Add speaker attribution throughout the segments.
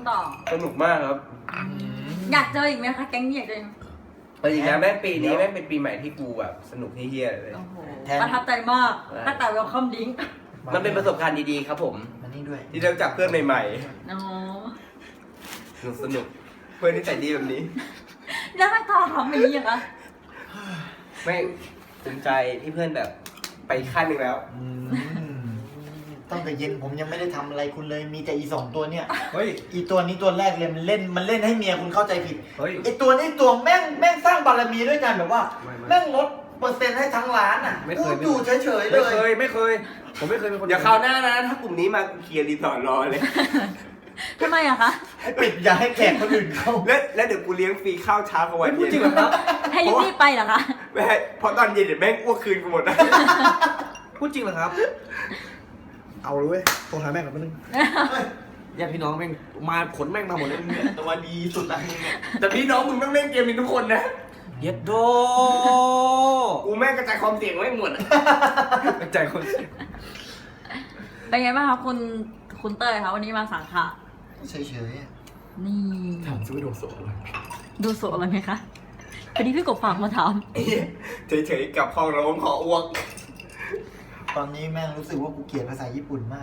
Speaker 1: ต่อ
Speaker 2: สนุกมากครับ
Speaker 1: อยากเจออีกไหมคะแก๊งนี้อยากเจออีกไหม
Speaker 2: แต่จริงๆนะแม่งปีนี้แม่งเป็นปีใหม่ที่กูแบบสนุกเฮี้ยๆเลย
Speaker 1: โอ้โหประทับใจมากตั้งแต่เวลคัมดิ้ง
Speaker 2: มันเป็นประสบการณ์ดีๆครับผม
Speaker 3: มานี่ด้วย
Speaker 2: ที่ได้รู้จักเพื่อนใหม่
Speaker 1: อ๋อ
Speaker 2: ๆสนุกเพื่อนที่ใจดีแบบนี้
Speaker 1: แล้วไม่ต่อทำอย่างนี้เหรอคะ
Speaker 2: แม่งภูมิใจที่เพื่อนแบบไปขั้นหนึ่งแล้ว
Speaker 3: ตั้งแต่เย็นผมยังไม่ได้ทำอะไรคุณเลยมีแต่อีสองตัวเนี่ย
Speaker 2: เฮ้ย
Speaker 3: อีตัวนี้ตัวแรกเลยมันเล่นให้เมียคุณเข้าใจผิด
Speaker 2: เฮ้ย
Speaker 3: ไอตัวนี้ตัวแม่งสร้างบารมีด้วยกันแบบว่า
Speaker 2: ไม่
Speaker 3: แม่งลดเปอร์เซ็นต์ให้ทั้งร้านอ่ะ
Speaker 2: ไม่เค
Speaker 3: พู
Speaker 2: ย
Speaker 3: ดอยู่เฉยๆเล
Speaker 2: ไม่เค
Speaker 3: ย
Speaker 2: ย ผมไม่เคยเป็นคนอย่าคราวหน้านะ ถ้ากลุ่มนี้มากูเคลียร์รีสอร์ทรอเลย
Speaker 1: ทำไมอะคะ
Speaker 3: ให้ปิดอย่าให้แขกคนอื่นเข้า
Speaker 2: แล้วเดี๋ยวกูเลี้ยงฟรีข้าวเช้ากับวัน
Speaker 4: พูด
Speaker 2: เย็น
Speaker 4: จริงเหรอครับ
Speaker 1: ให้รีบๆไปเหรอคะ
Speaker 2: ไม่ให้เพราะตอนเย็นเดี๋ยวแม่งอ้วกคืนกูหมดนะ
Speaker 4: พูดจริงเหรอครับ เอาเลยเว้ยโทรหาแม่งก่อนแป๊บนึงญาติพี่น้องแม่งมาขนแม่งมาหมดเลย
Speaker 3: ตัวดีสุดละมึงเนี่ย
Speaker 2: แต่พี่น้องมึงต้องเล่นเกมนี้ทุกคนนะ
Speaker 4: เย็ดโด
Speaker 2: กูแม่งกระจายความเสี่ยงไว้หมดอะกระจายความเสี่ยง
Speaker 1: เป็นไงบ้างคะคุณเต้ยคะวันนี้มาสังขะ
Speaker 3: เฉยๆอะ
Speaker 1: นี่
Speaker 4: ถามซื้อโดโซเลย
Speaker 1: ดูสดอะไรไหมคะพอดีพี่กบฝากมาถาม
Speaker 2: เฉยๆกับห้องร้องขออ้วก
Speaker 3: ตอนนี้แม่งรู้สึกว่ากูเกลียดภาษาญี่ปุ่นมาก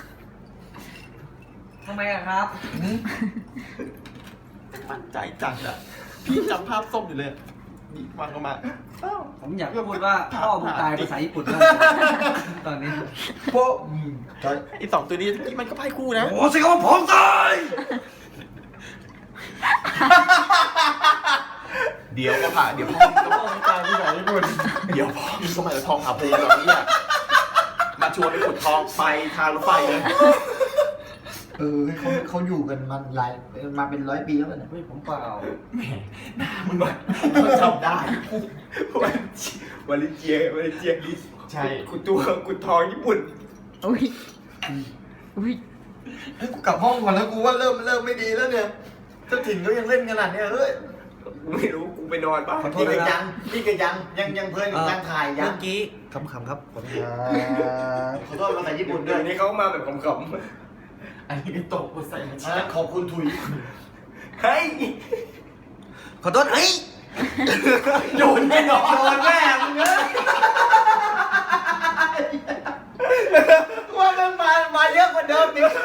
Speaker 4: ทำไมอะครับ
Speaker 3: มั่นใจจังอะพี่จำภาพส้มอยู่เลยนี่วางออกมา
Speaker 4: ผมอยากพูดว่าพ่อมึงตายภาษาญี่ปุ่นแล้วตอนนี้
Speaker 3: โป๊ะไอสองตัวนี้ที่มันก็ไพ่คู่นะ
Speaker 4: โอ้สิครับว่าผมตาย
Speaker 5: เดี๋ยวก็ผ่าเดี๋ยวพ่อ
Speaker 3: พ่อมึงตายภาษาญี่ปุ่น
Speaker 5: เดี๋ยวพ่อมีสมัยทองหาภูมิแบบนี้มาชวนไปขุดทองไปทางรถไฟเลย
Speaker 3: เขาอยู่กันมาเป็น100 ปีแล้วเนี่ย
Speaker 4: เฮ้ยผมเปล่า
Speaker 5: มึงมันจำได้
Speaker 2: วันลิเจียดิ
Speaker 5: ใช่
Speaker 2: กูทองญี่ปุ่น
Speaker 1: อุ้ยอุ้ย
Speaker 3: ให้กูกลับห้องก่อนแล้วกูว่าเริ่มไม่ดีแล้วเนี่ยเจ้าถิ่นเขายังเล่นขนาดเนี้ยเฮ้ย
Speaker 2: กูไม่รู้กูไปนอนบ้าง
Speaker 3: พี่ก็ยังเพลินกับการถ่ายยั
Speaker 4: เมื่
Speaker 3: ง
Speaker 4: อกี้ขำๆครับผม
Speaker 3: ขอโทษภาษาญี่ปุ่นด้
Speaker 2: เดี๋
Speaker 3: วย
Speaker 2: ยวนี้เขามาแบบขำ
Speaker 5: อันนี้ตกกูใส่มัน
Speaker 3: ขอบคุณถุย
Speaker 2: ๆเฮ้ย
Speaker 4: ขอโทษเฮ้ย
Speaker 5: โดนแน่นอน
Speaker 3: โดนแม่มึงเอ้ยว่ามันมาเยอะกว่าเดิมนี่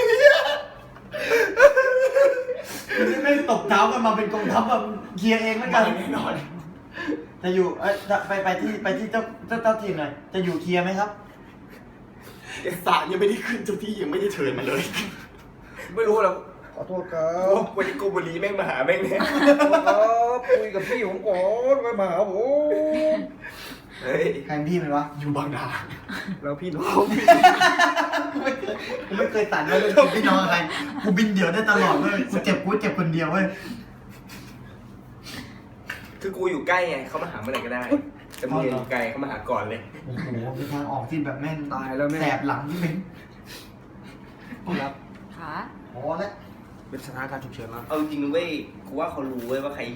Speaker 3: นี่ไม่ตบเท้ากันมาเป็นกองทัพแบบเคลียร์เองเหมือนกัน
Speaker 5: แน่นอน
Speaker 3: จะอยู่ไปที่เจ้าถิ่นหน่อยจะอยู่เคลียร์ไหมครับ
Speaker 5: ศาลยังไม่ได้ขึ้นเจ้าที่ยังไม่ได้เชิญมาเลย
Speaker 2: ไม่รู้แล้ว
Speaker 4: ขอโทษครับ
Speaker 2: วันนี้โกบุรีแม่งมาหาแม่งเนี่ย
Speaker 4: คุยกับพี่ผมก่อนไปมาหาผม
Speaker 2: เฮ้ย
Speaker 3: ใครเป็นพี่มันวะ
Speaker 5: อยู่บางนา
Speaker 4: แล้วพี่น้อง
Speaker 3: กูไม่เคยตัดเลยพี่น้องอะไรกูบินเดี่ยวได้ตลอดเว้ยกูเจ็บคนเดียวเว้ย
Speaker 2: คือกูอยู่ใกล้ไงเขามาหาเมื่อไหร่ก็ได้แต่มึงอยู่ไกลเขามาหาก่อนเลย
Speaker 3: โอ้โหมีทางออกที่แบบแม่ง
Speaker 4: ตายแล้วแม่
Speaker 3: แสบหลังที่เป็น
Speaker 4: ครับ
Speaker 1: ขา
Speaker 3: พอแล้ว
Speaker 4: เป็นสถานการณ์ฉุกเฉินแล้ว
Speaker 2: เอาจริงๆเว้ยกูว่าเขารู้เว้ยว่าใคร